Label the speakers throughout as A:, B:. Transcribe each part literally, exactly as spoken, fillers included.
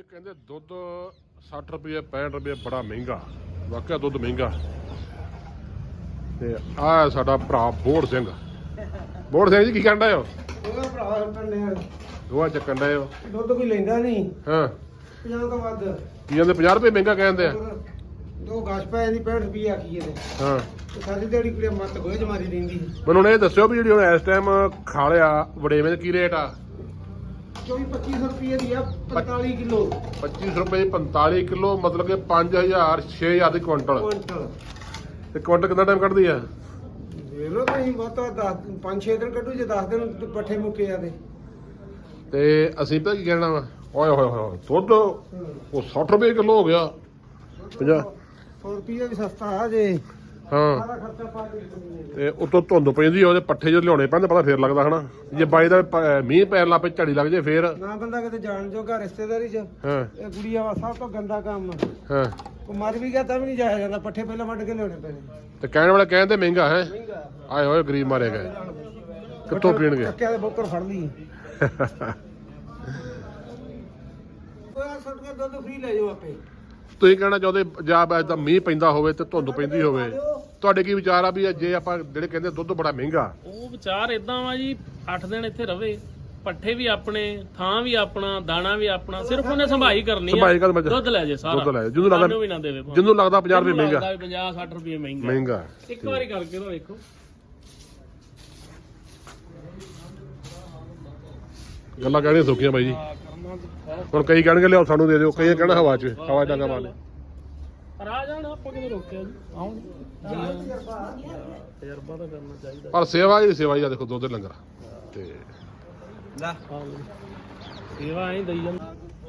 A: ਕਹਿੰਦੇ ਦੁੱਧ ਸੱਠ ਰੁਪਏ ਪੈਂਹਠ ਰੁਪਏ ਬੜਾ ਮਹਿੰਗਾ, ਵਾਕਿਆ ਦੁੱਧ ਮਹਿੰਗਾ। ਤੇ ਆਹ ਸਾਡਾ ਭਰਾ ਬੋੜ ਸਿੰਘ। ਬੋੜ ਸਿੰਘ ਜੀ ਕੀ ਕਹਿਣ ਡਏ ਹੋ?
B: ਉਹਦਾ ਭਰਾ ਕੰਨੇ ਆ
A: ਦੋਆ ਚੱਕਣ ਡਏ ਹੋ?
B: ਦੁੱਧ ਕੋਈ ਲੈਂਦਾ ਨਹੀਂ।
A: ਹਾਂ
B: ਪੰਜਾਹ ਤੋਂ ਵੱਧ
A: ਕੀ ਕਹਿੰਦੇ? ਪੰਜਾਹ ਰੁਪਏ ਮਹਿੰਗਾ ਕਹਿੰਦੇ ਆ।
B: ਦੋ ਗਾਸ਼ ਪੈ ਦੀ ਪੈਂਹਠ ਰੁਪਏ ਆਖੀ ਇਹਦੇ।
A: ਹਾਂ
B: ਤੇ ਸਾਡੀ ਦਿਹਾੜੀ ਕੁੜੀ ਮੱਤ ਗੋਏ ਜਮਾਰੀ ਦਿੰਦੀ।
A: ਮੈਨੂੰ ਇਹ ਦੱਸਿਓ ਵੀ ਜਿਹੜੀ ਹੁਣ ਇਸ ਟਾਈਮ ਖਾਲਿਆ ਵੜੇਵੇਂ ਦਾ ਕੀ ਰੇਟ ਆ?
B: ਚੌਵੀ ਪੱਚੀ ਸੌ ਰੁਪਏ ਦੀ ਆ ਪੰਤਾਲੀ ਕਿਲੋ।
A: ਪੱਚੀ ਸੌ ਰੁਪਏ ਪੰਤਾਲੀ ਕਿਲੋ, ਮਤਲਬ ਕਿ ਪੰਜ ਹਜ਼ਾਰ ਛੇ ਹਜ਼ਾਰ ਦੀ ਕੁਇੰਟਲ।
B: ਕੁਇੰਟਲ
A: ਤੇ ਕੁਇੰਟਲ ਕਿੰਨਾ ਟਾਈਮ ਕੱਢਦੀ ਆ?
B: ਵੇਖ ਲਓ ਤੁਸੀਂ ਬਹੁਤਾ ਦਸ ਪੰਜ ਛੇ ਦਿਨ ਕੱਢੂ, ਜੇ ਦਸ ਦਿਨ ਪੱਠੇ ਮੁੱਕੇ ਆ ਤੇ
A: ਤੇ ਅਸੀਂ ਪਤਾ ਕੀ ਕਹਿਣਾ ਵਾ, ਓਏ ਹੋਏ ਹੋਏ ਦੁੱਧ ਉਹ ਸੱਠ ਰੁਪਏ ਕਿਲੋ ਹੋ ਗਿਆ। ਪੰਜਾਹ
B: ਸੌ ਰੁਪਏ ਵੀ ਸਸਤਾ ਆ ਜੇ।
A: ਹਾਂ
B: ਸਾਰਾ ਖਰਚਾ ਪਾ ਕੇ
A: ਤੇ ਉਤੋਂ ਧੁੰਦ ਪੈਂਦੀ, ਉਹਦੇ ਪੱਠੇ ਜੋ ਲਿਆਉਣੇ ਪੈਂਦੇ, ਪਤਾ ਫੇਰ ਲੱਗਦਾ ਹਨਾ। ਜੇ ਬਾਈ ਦਾ ਪ- ਮੀਂਹ ਪੈਣ ਲੱਗ ਪਏ, ਝੜੀ ਲੱਗ ਜੇ ਫੇਰ।
B: ਨਾ ਬੰਦਾ ਕਿਤੇ ਜਾਣ ਜੋਗਾ ਰਿਸ਼ਤੇਦਾਰੀ ਚ।
A: ਹਾਂ
B: ਇਹ ਗੁੜੀਆ ਵਾ ਸਭ ਤੋਂ ਗੰਦਾ ਕੰਮ।
A: ਹਾਂ
B: ਉਹ ਮਰ ਵੀ ਗਿਆ ਤਾਂ ਵੀ ਨਹੀਂ ਜਾਇਆ ਜਾਂਦਾ, ਪੱਠੇ ਪਹਿਲਾਂ ਵੱਢ ਕੇ ਲਿਆਉਣੇ ਪੈਣੇ।
A: ਤੇ ਕਹਿਣ ਵਾਲਾ ਕਹਿੰਦੇ ਮਹਿੰਗਾ ਹੈ।
B: ਮਹਿੰਗਾ
A: ਆਏ ਹੋਏ ਗਰੀਬ ਮਾਰੇ ਗਏ, ਕਿੱਥੋਂ ਪੀਣਗੇ?
B: ਚੱਕਿਆ ਦੇ ਬੋਕਰ ਫੜ ਲਈ। ਉਹ ਸੁੱਟ ਕੇ ਦੁੱਧ ਫ੍ਰੀ ਲੈ ਜਾਓ ਆਪੇ।
A: ਤੁਸੀਂ ਕਹਿਣਾ ਚਾਹੁੰਦੇ ਜਾਂ ਤਾਂ ਮੀਂਹ ਪੈਂਦਾ ਹੋਵੇ ਤੇ ਧੁੰਦ ਪੈਂਦੀ ਹੋਵੇ, ਤੁਹਾਡੇ ਕੀ ਵਿਚਾਰ ਆ ਵੀ ਜੇ ਆਪਾਂ ਜਿਹੜੇ ਕਹਿੰਦੇ ਦੁੱਧ ਬੜਾ ਮਹਿੰਗਾ?
C: ਉਹ ਵਿਚਾਰ ਇਦਾਂ ਵਾ ਜੀ, ਅੱਠ ਦਿਨ ਇੱਥੇ ਰਵੇ, ਪੱਠੇ ਵੀ ਆਪਣੇ, ਥਾਂ ਵੀ ਆਪਣਾ, ਦਾਣਾ ਵੀ ਆਪਣਾ, ਸਿਰਫ ਉਹਨੇ ਸੰਭਾਈ ਕਰਨੀ ਆ।
A: ਸੰਭਾਈ ਕਰ ਮੱਝ-
C: ਦੁੱਧ ਲੈ ਜੇ ਸਾਰਾ,
A: ਦੁੱਧ ਲੈ ਜਿਹਨੂੰ ਲੱਗਦਾ
C: ਸਾਨੂੰ ਵੀ ਨਾ ਦੇਵੇ ਭਾਵੇਂ।
A: ਜਿਹਨੂੰ ਲੱਗਦਾ ਪੰਜਾਹ ਰੁਪਏ ਮਹਿੰਗਾ,
C: ਪੰਜਾਹ ਸੱਠ ਰੁਪਏ ਮਹਿੰਗਾ
A: ਮਹਿੰਗਾ।
C: ਇੱਕ ਵਾਰੀ ਕਰਕੇ ਤਾਂ ਵੇਖੋ।
A: ਗੱਲਾਂ ਕਹਿਣੀਆਂ ਸੌਖੀਆਂ ਬਾਈ ਜੀ। ਹੁਣ ਕਈ ਕਹਿਣਗੇ ਲਿਆਓ ਸਾਨੂੰ ਦੇ ਦਿਓ, ਕਈ ਕਹਿਣਾ ਹਵਾ 'ਚ ਹਵਾ ਡਾਂਗਾ ਮਾਰ ਲਿਆ।
C: ਪਰ ਆ ਜਾਣ, ਆਪਾਂ ਕਿਤੇ ਰੋਕਿਆ ਜੀ, ਆਉਣ ਤਜਰਬਾ ਤਾਂ ਕਰਨਾ ਚਾਹੀਦਾ।
A: ਪਰ ਸੇਵਾ ਹੀ ਸੇਵਾ ਹੀ ਆ, ਦੇਖੋ ਦੁੱਧ ਦੇ ਲੰਗਰ ਤੇ
B: ਲੈ
C: ਸੇਵਾ ਐਂ ਦਈ ਜਾਂਦਾ।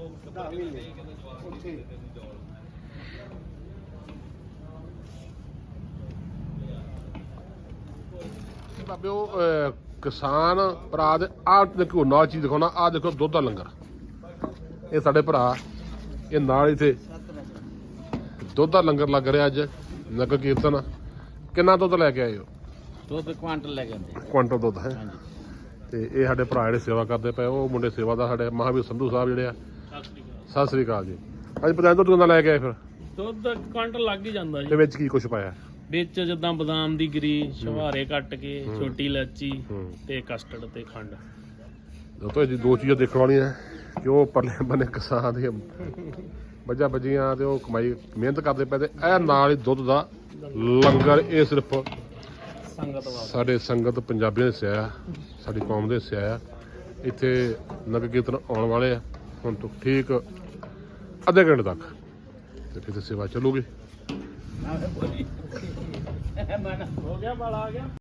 A: ਬਾਬਿਓ ਅਹ ਕਿਸਾਨ ਭਰਾ ਦੇ ਆਹ ਦੇਖੋ ਨਾਲ ਚੀਜ਼ ਦਿਖਾਉਣਾ, ਆਹ ਦੇਖੋ ਦੁੱਧ ਦਾ ਲੰਗਰ। ਇਹ ਸਾਡੇ ਭਰਾ, ਇਹ ਨਾਲ ਇੱਥੇ ਦੁੱਧ ਦਾ ਲੰਗਰ ਲੱਗ ਰਿਹਾ ਅੱਜ ਨਗਰ ਕੀਰਤਨ। ਕਿੰਨਾ ਦੁੱਧ ਲੈ ਕੇ ਆਏ ਹੋ?
C: ਦੁੱਧ ਕੁਆਂਟਲ ਲੈ ਕੇ ਆਉਂਦੇ
A: ਕੁਆਂਟਲ ਦੁੱਧ ਹੈ। ਤੇ ਇਹ ਸਾਡੇ ਭਰਾ ਜਿਹੜੇ ਸੇਵਾ ਕਰਦੇ ਪਏ, ਉਹ ਮੁੰਡੇ ਸੇਵਾ ਦਾ ਸਾਡੇ ਮਹਾਵੀਰ ਸੰਧੂ ਸਾਹਿਬ ਜਿਹੜੇ ਆ। ਸਤਿ ਸ੍ਰੀ ਅਕਾਲ ਜੀ। ਅੱਜ ਪਤਾ ਦੁੱਧ ਕਿੰਨਾ ਲੈ ਕੇ ਆਏ ਫਿਰ?
C: ਦੁੱਧ ਕੁਆਂਟਲ ਲੱਗ ਹੀ ਜਾਂਦਾ
A: ਤੇ
C: ਜੀ।
A: ਵਿੱਚ ਕੀ ਕੁਛ ਪਾਇਆ?
C: ਵਿੱਚ ਜਿੱਦਾਂ ਬਦਾਮ ਦੀ ਗਿਰੀ, ਸ਼ਵਾਰੇ ਕੱਟ ਕੇ, ਛੋਟੀ ਇਲਾਚੀ
A: ਹੂੰ।
C: ਤੇ ਕਸਟਰਡ ਤੇ ਖੰਡ।
A: ਦੋਸਤੋ ਇਹ ਦੋ ਚੀਜ਼ਾਂ ਦੇਖਣ ਵਾਲੀਆਂ ਕਿ ਉਹ ਪਰਲੇ ਬੰਨੇ ਕਿਸਾਨ ਦੀਆਂ ਮੱਝਾਂ ਬੱਜੀਆਂ ਤੇ ਉਹ ਕਮਾਈ ਮਿਹਨਤ ਕਰਦੇ ਪਏ, ਤੇ ਇਹ ਨਾਲ ਹੀ ਦੁੱਧ ਦਾ ਲੰਗਰ। ਇਹ ਸਿਰਫ
C: ਸੰਗਤ ਵਾਸਤੇ
A: ਸਾਡੇ ਸੰਗਤ ਪੰਜਾਬੀਆਂ ਦੇ ਸਿਆ ਆ, ਸਾਡੀ ਕੌਮ ਦੇ ਸਿਆ ਆ। ਇੱਥੇ ਨਗਰ ਕੀਰਤਨ ਆਉਣ ਵਾਲੇ ਆ ਹੁਣ ਤੋਂ ਠੀਕ ਅੱਧੇ ਘੰਟੇ ਤੱਕ, ਤੇ ਫਿਰ ਸੇਵਾ ਚੱਲੂਗੀ।
C: ਹੋ ਗਿਆ, ਬਾਲਾ ਆ ਗਿਆ।